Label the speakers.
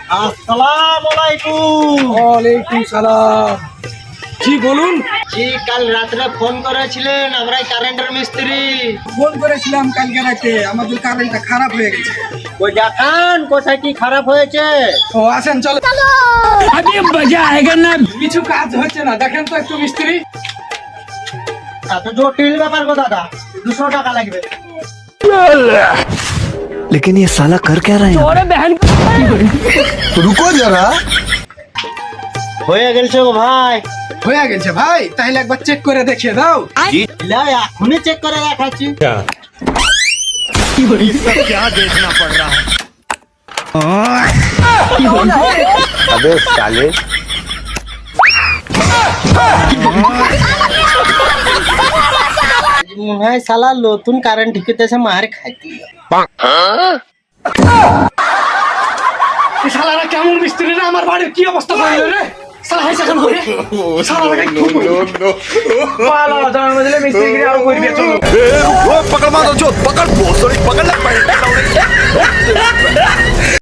Speaker 1: আসসালামু আলাইকুম।
Speaker 2: ওয়ালাইকুম সালাম। জি বলুন।
Speaker 1: জি কাল রাত্রে ফোন করেছিলেন, আমরাই কারেন্টের মিস্ত্রি।
Speaker 2: ফোন করেছিলাম কালকে রাতে, আমাদের কারেন্টটা খারাপ হয়ে গেছে।
Speaker 1: ওই দেখান কোথায় কি খারাপ হয়েছে।
Speaker 2: ও আসেন চলো।
Speaker 3: अभी मजा आएगा ना।
Speaker 2: কিছু কাজ হচ্ছে না, দেখেন তো একটু মিস্ত্রি।
Speaker 1: এত জটিল ব্যাপার গো দাদা, 200 টাকা লাগবে।
Speaker 4: लेकिन ये साला कर क्या रहे हैं?
Speaker 3: और बहन
Speaker 4: रुको जरा।
Speaker 1: হয়ে গেছে গো ভাই।
Speaker 2: হয়ে গেছে ভাই, তাহলে একবার চেক করে দেখিয়ে দাও।
Speaker 1: লা এখনই চেক করে দেখাচ্ছি।
Speaker 4: अबे साले।
Speaker 1: মনে হয় শালা নতুন কারেন্ট ঢুকেতেছে, মার খাইতে।
Speaker 2: এই শালারা কেমন মিস্ত্রি রে, আমার বাড়ির কি অবস্থা করলো রে। শালা হাই সাকান করে শালারা কি পালা জানার মধ্যে মিস্ত্রি আরো করে দিয়ে চলো।
Speaker 4: पकड़ मारो जो